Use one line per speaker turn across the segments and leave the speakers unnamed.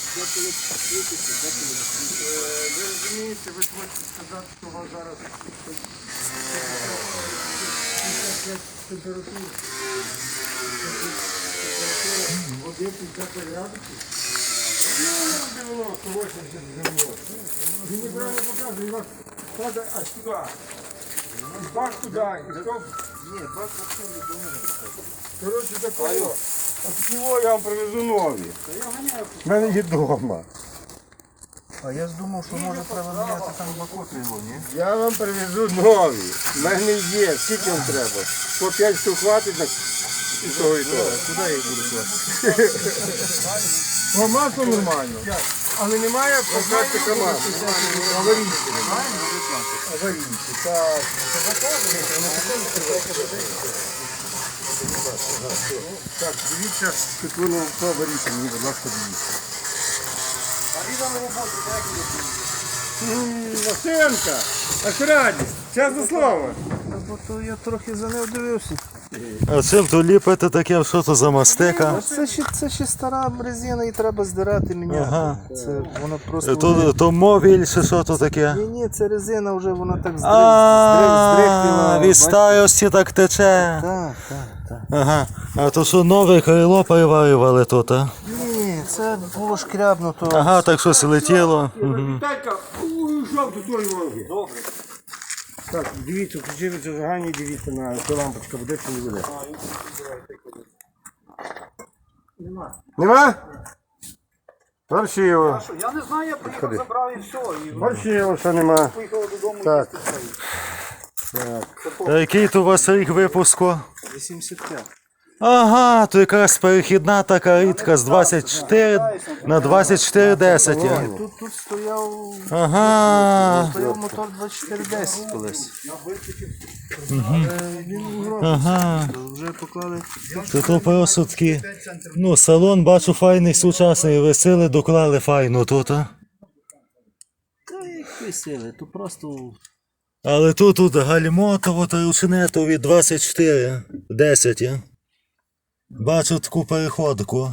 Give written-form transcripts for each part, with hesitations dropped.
Ви розумієте, ви хочете сказати, що у вас зараз 55 температура. Води 50 градусів. Ну, 90-80 градусів. Він неправильно показує, він вас падає аж туди. Бак туди, і стоп. Ні, бак вообще не думає. Коротше, такого. От його я вам привезу нові. В мене є вдома.
А я ж думав, що може треба міняти там бакоти його, ні?
Я вам привезу нові. В мене є. Скільки вам треба? По 5 штук хватить на і того, і того.
Куди я їх буду класти?
Ну, масло нормально. Але немає пластика масла. Аварійки немає. Аварійки, так. Так, дивіться, тут воно по аварійки, мені, будь ласка, дивіться. Машинка, акуратність, чесне слово.
Бо то я трохи за нею дивився.
А чим то ліпити таке, що то за мастика?
Це ще стара резина і треба здирати, міняти.
Ага.
Це вона просто...
То мовіль чи що то таке?
Ні, це резина вже вона так
А,
здрихлила.
від старості так тече.
Так.
Ага. А то що нове крило переварювали тут, а?
Ні, це було шкрябнуто.
Ага, так щось летіло.
Віталька, уйшов до тої вологи. Добре. Так, дивіться, включили зажигання, дивіться на цю лампочка, буде чи не буде. Нема? Паршиво.
Я не знаю, я приїхав, забрав і все. І
Паршиво, що нема.
поїхав додому.
Так.
А який то у вас рік випуску?
85.
Ага, то якраз перехідна така рідка з 24 на 24,10.
Тут стояв
Ага.
мотор 2410 колись.
Ага.
Вже поклали.
То просто такі, ну, салон, бачу, файний, сучасний, весели, доклали файно тут, а?
Та які сили, то просто...
Але тут гальмотово та ручнетові 24,10, а? Бачу таку переходку.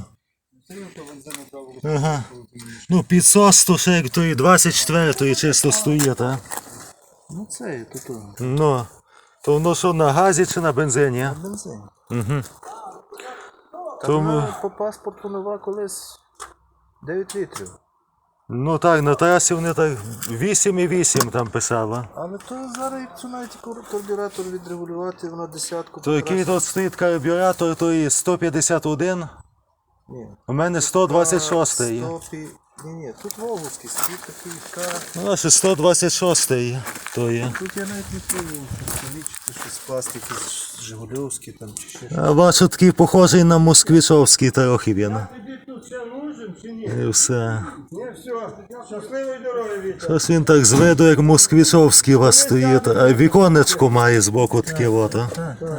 Ага. Ну, підсос то ще як тої 24-ї чисто стоїть, а?
Ну це, тут
Ну, то воно що, на газі чи на бензині? а?
бензин.
Угу.
Та
Тому,
вона по паспорту нова колись 9 літрів.
ну так, на трасі вони так 8,8 там писало.
Але то зараз, якщо навіть карбюратор відрегулювати, вона десятку.
То який тут стоїть карбюратор, то і 151,
Ні.
у мене 126.
Ні, тут Волговський стоїть такий кар.
Ну, аж 126 то є.
Тут я навіть не пробував помічити щось пластики, Жигульовський там чи ще щось.
А бачу, такий похожий на москвичовський трохи він.
Тобі тут ще нужен чи ні?
І все.
Ні, все. Щасливої дороги, Вітя.
Щось він так з виду, як москвичовський у вас стоїть. А віконечко має збоку таке от. а.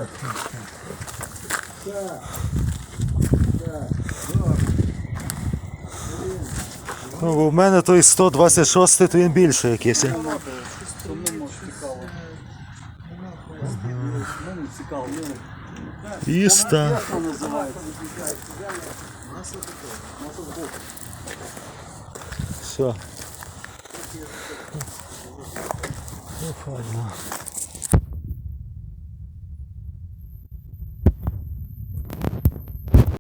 Ну, бо в мене той 126, то він більше якийсь. а. Іста. Все. Ну, файно.